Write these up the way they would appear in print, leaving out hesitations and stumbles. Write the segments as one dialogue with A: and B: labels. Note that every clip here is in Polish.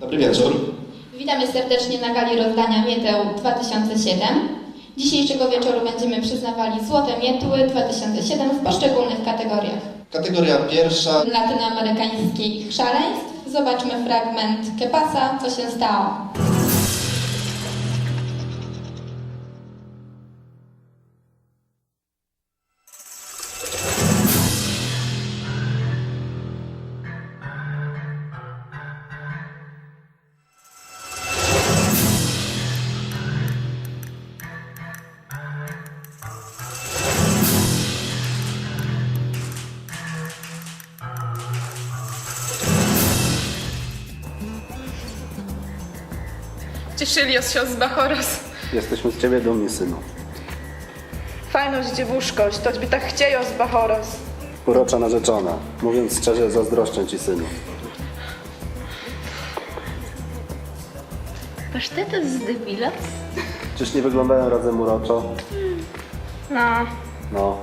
A: Dobry wieczór.
B: Witamy serdecznie na gali rozdania Mieteł 2007. Dzisiejszego wieczoru będziemy przyznawali Złote Mietły 2007 w poszczególnych kategoriach.
A: Kategoria pierwsza.
B: Latynoamerykańskich szaleństw. Zobaczmy fragment Kepasa, co się stało.
C: Cieszylios się z Bachoros.
D: Jesteśmy z ciebie dumni, synu.
C: Fajność, dziewuszkość, toć by tak chciejo z Bachoros.
D: Urocza narzeczona. Mówiąc szczerze, zazdroszczę ci, synu.
E: Pasztetes z debilas?
D: Czyż nie wyglądają razem uroczo?
C: No.
D: No.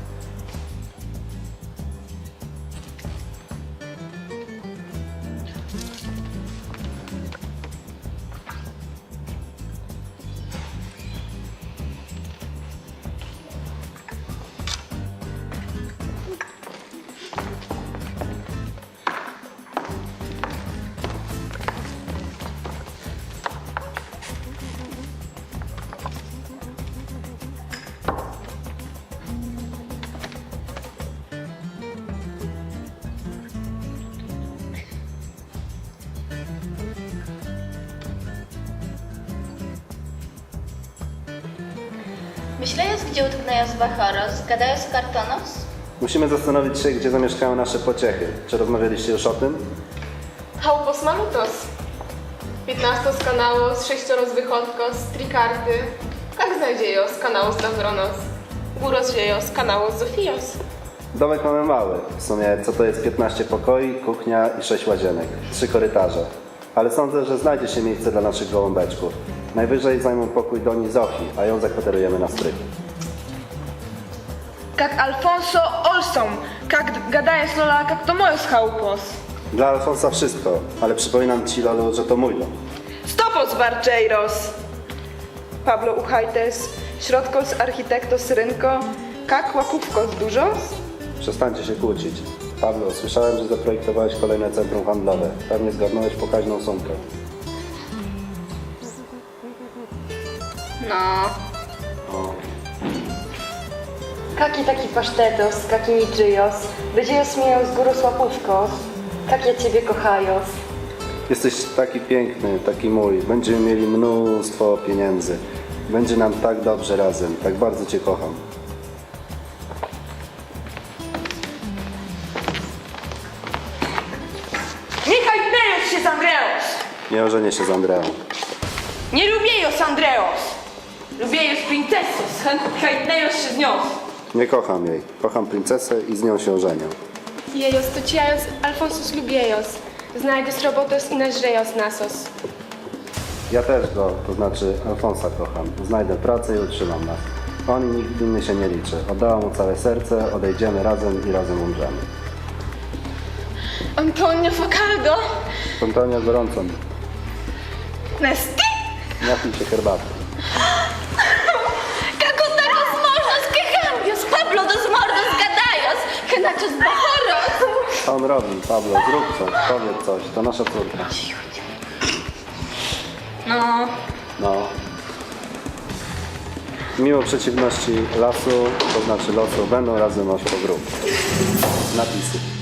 E: Myślając, gdzie utknęją z Bachoros, gadają z Kartonos?
D: Musimy zastanowić się, gdzie zamieszkają nasze pociechy. Czy rozmawialiście już o tym?
C: Haupos malutos. 15 z kanałos, 6 z wychodkos, trikarty. Jak znajdziejo z kanału z Davronos? Góros dziejo z kanału z Zofios.
D: Domek mamy mały. W sumie co to jest 15 pokoi, kuchnia i 6 łazienek. 3 korytarze. Ale sądzę, że znajdzie się miejsce dla naszych gołąbeczków. Najwyżej zajmą pokój Doni Zofii, a ją zakwaterujemy na strych.
F: Jak Alfonso Olson, jak gadaje z Lola, jak to moje chałupos.
D: Dla Alfonsa wszystko, ale przypominam ci, Lolu, że to mój dom.
F: Stopos Barczeiros! Pablo Uchajtes, środkos architektos rynko, jak łapówkos dużos?
D: Przestańcie się kłócić. Pablo, słyszałem, że zaprojektowałeś kolejne centrum handlowe. Pewnie zgarnąłeś pokaźną sumkę.
E: No.
D: O.
G: Kaki taki pasztetos, kaki niczyjos, będzie osmieją z góry łapówkos, jak ja ciebie kochajos.
D: Jesteś taki piękny, taki mój. Będziemy mieli mnóstwo pieniędzy. Będzie nam tak dobrze razem. Tak bardzo cię kocham.
F: Niechaj Neos się z Andreos!
D: Nie ożenię się z Andreą.
F: Nie lubię jos Andreos! Lubię jos princesos, chętnie Neos się z nią.
D: Nie kocham jej. Kocham princesę i z nią się ożenię.
C: Jejos to ciajos, Alfonsus lubiejos. Znajdziesz robotos i nażrejos nasos.
D: Ja też go, to znaczy Alfonsa kocham. Znajdę pracę i utrzymam nas. On i nikt inny się nie liczy. Oddałam mu całe serce, odejdziemy razem i razem umrzemy.
C: Antonio Facaldo?
D: Antonia gorącą.
F: Nesty?
D: Napij się herbaty.
E: Kako takos mordos que cambios, Pablo dos mordos gadajos, que nachos Bachoros.
D: Co on robi? Pablo, zrób coś, powiedz coś. To nasza córka.
E: No.
D: No. Mimo przeciwności lasu, to znaczy losu, będą razem aż po grób. Napisy.